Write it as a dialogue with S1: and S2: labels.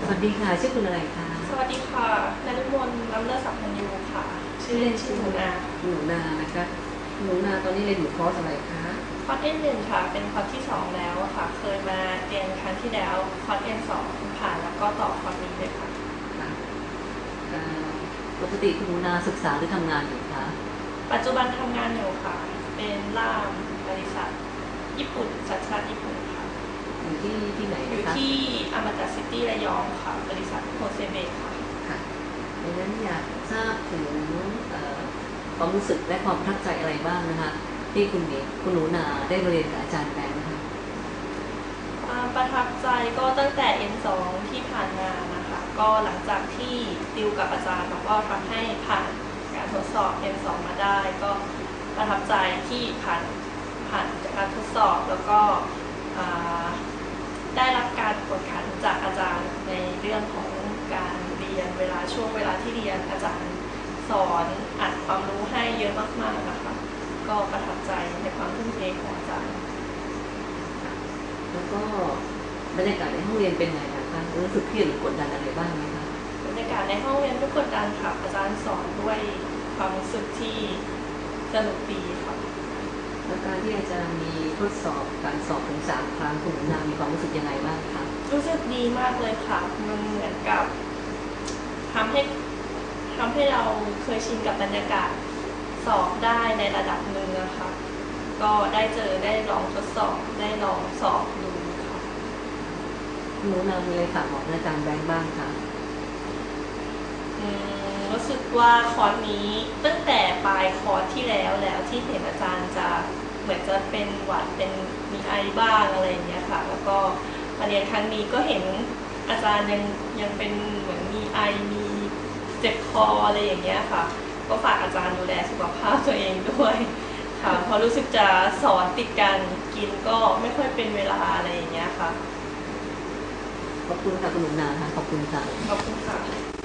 S1: วัสดีค่ะชื่อคุณอะไรคะ
S2: สวัสดีค่ะนฤมลล้ำเลิศสัพพัญญูค่ะชื่อเล่นชื่อหนูนา
S1: หนูนานะคะหนูนาตอนนี้เรียนอยู่คอร์สอะไรคะ
S2: คอร์สN1ค่ะเป็นคอร์สที่2แล้วค่ะเคยมาเรียนครั้งที่แล้วคอร์สN2ผ่านแล้วก็ต่อคอร์สนี้เลยค่ะ
S1: ค่ะเอ่อปกติคุณหนูนาศึกษาหรือทำงานอยู่คะ
S2: ปัจจุบันทำงานอยู่ค่ะเป็นล่ามบริษัทญี่ปุ่นสัญชาติญี่ปุ่นค่ะ
S1: อยู่ที่ไหน
S2: อยู่
S1: นะคะ
S2: ที่อมตะซิตี้ระยองค่ะบริษัทโฮเซเบะค่ะ
S1: ค่ะดังนั้นอยากทราบถึงความรู้สึกและความประทับใจอะไรบ้างนะคะที่คุณหนูนาได้มาเรียนกับอาจารย์แบงค์นะคะ
S2: ความประทับใจก็ตั้งแต่ N2 ที่ผ่านมานะคะก็หลังจากที่ติวกับอาจารย์แล้วก็ทำให้ผ่านการทดสอบ N2 มาได้ก็ประทับใจที่ผ่านจากการทดสอบแล้วก็ได้รับการกดขันจากอาจารย์ในเรื่องของการเรียนช่วงเวลาที่เรียนอาจารย์สอนอัดความรู้ให้เยอะมากๆนะคะก็ประทับใจในความทุ่มเทของอาจารย์
S1: แล้วก็บรรยากาศในห้องเรียนเป็นไงนะคะรู้สึกเครียดหรือกดดันอะไรบ้างไหมคะ
S2: บรรยากาศในห้องเรียนไม่กดดันค่ะอาจารย์สอนด้วยความรู้สึกที่สนุกดีค่ะ
S1: แล้วการที่อาจารย์มีทดสอบการสอบถึง3 ครั้งคุณหนูนามีความรู้สึกยังไงบ้างคะ
S2: รู้สึกดีมากเลยค่ะมันเหมือนกับทำให้ทำให้เราเคยชินกับบรรยากาศสอบได้ในระดับหนึ่งนะคะก็ได้ลองทดสอบได้ลองสอบดูค่ะ
S1: คุณหนูนามีอะไรฝากบอกอาจารย์แบงค์บ้างคะ
S2: รู้สึกว่าคอร์สนี้ตั้งแต่ปลายคอร์สที่แล้วที่เห็นอาจารย์จะเหมือนจะเป็นหวัดเป็นมีไอบ้างอะไรอย่างเงี้ยค่ะแล้วก็มาเรียนครั้งนี้ก็เห็นอาจารย์ยังเป็นเหมือนมีไอมีเจ็บคออะไรอย่างเงี้ยค่ะก็ฝากอาจารย์ดูแลสุขภาพตัวเองด้วยค่ะเพราะรู้สึกจะสอนติดกันกินก็ไม่ค่อยเป็นเวลาอะไรอย่างเงี้ยค่ะ
S1: ขอบคุณค่ะคุณหนูนาค่ะขอบคุณค่ะ
S2: ขอบคุณค่ะ